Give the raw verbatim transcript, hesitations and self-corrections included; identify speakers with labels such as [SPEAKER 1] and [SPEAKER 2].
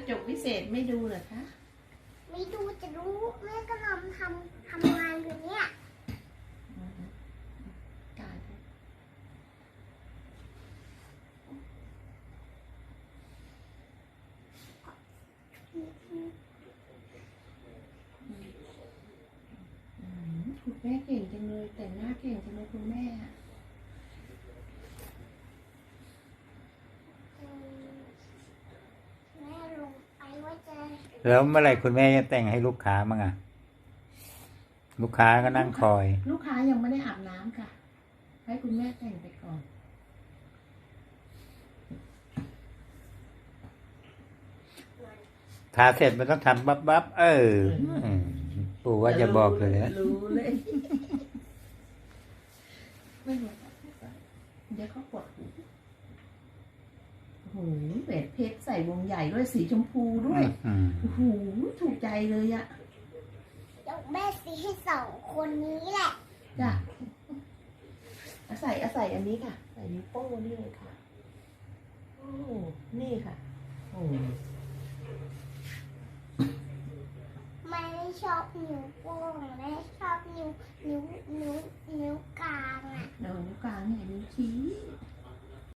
[SPEAKER 1] จกวิเศษไม่ดูเหรอคะ
[SPEAKER 2] ไม่ดูจะรู้แม่ก็ทำทำทำงานอยู่เนี่ย
[SPEAKER 1] ตายคุณแม่เก่งจังเลยแต่งหน้าเก่งจังเลยคุณแม่
[SPEAKER 2] แม่ลงไปว่าจะ
[SPEAKER 3] แล้วเมื่อไหร่คุณแม่จะแต่งให้ลูกค้ามั่งอะลูกค้าก็นั่งคอย
[SPEAKER 1] ลูกค้ายังไม่ได้อาบน้ำค่ะให้คุณแม่แต่งไปก่อน
[SPEAKER 3] ทาเสร็จมันต้องทำบับบับเออปู่ว่าจะบอกเลยนะ
[SPEAKER 1] รู้เลยไม่รู้เดี๋ยวเขาปวดหูโอ้โหแหวนเพชรใส่วงใหญ่ด้วยสีชมพูด้วยโอ้โหถูกใจเลยอะ
[SPEAKER 2] เดี๋ยวแม่ซื้อให้สองคนนี้แหละ
[SPEAKER 1] จ้ะอาศัยอาศัยอันนี้ค่ะใส่นิ้วโป้งนี่เลยค่ะโอ้นี่ค่ะโอ้
[SPEAKER 2] แม่ชอบนิ้วโป้งแม่ชอบนิ้วนิ้วนิ้วนิ้วกลางอ่ะ
[SPEAKER 1] เดี๋ยวนิ้วกลางเนี่ยนิ้วชี้